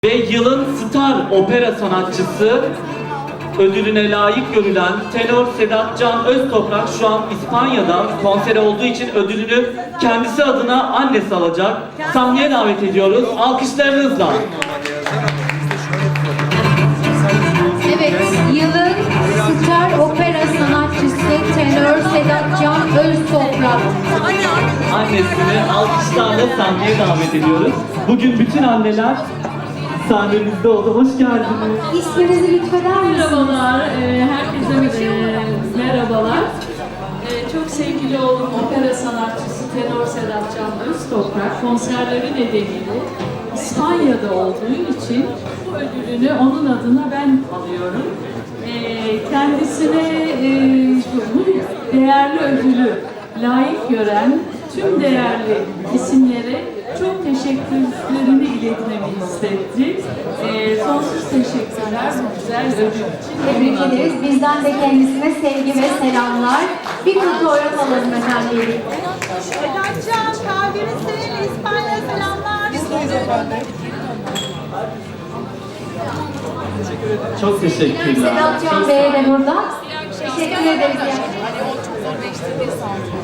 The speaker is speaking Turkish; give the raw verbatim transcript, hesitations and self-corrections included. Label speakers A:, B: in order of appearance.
A: Ve yılın star opera sanatçısı ödülüne layık görülen tenor Sedat Can Öztoprak şu an İspanya'da konser olduğu için ödülünü kendisi adına annesi alacak. Sahneye davet ediyoruz. Alkışlarınızla.
B: Evet, yılın star opera sanatçısı tenor Sedat Can Öztoprak.
A: Annesini alkışlarla sahneye davet ediyoruz. Bugün bütün anneler sahnemizde oldu. Hoş geldiniz.
B: İsminizi lütfeder misiniz?
C: Merhabalar, e, herkese e, merhabalar. E, çok sevgili oğlum opera sanatçısı tenor Sedat Can Öztoprak konserleri nedeniyle İspanya'da olduğu için bu ödülünü onun adına ben alıyorum. E, kendisine e, bu değerli ödülü layık gören tüm değerli isimlere çok teşekkürlerini iletmemi istetti. Ee, sonsuz teşekkürler bu güzel ödül için.
B: Tebrik ederiz. Bizden de kendisine sevgi ve selamlar. Bir fotoğraf alalım efendim.
D: Sedatcan, kalbimiz seninle, İspanya selamlar.
A: Çok teşekkürler.
B: Sedat Can Bey'e de burada. Teşekkür ederiz.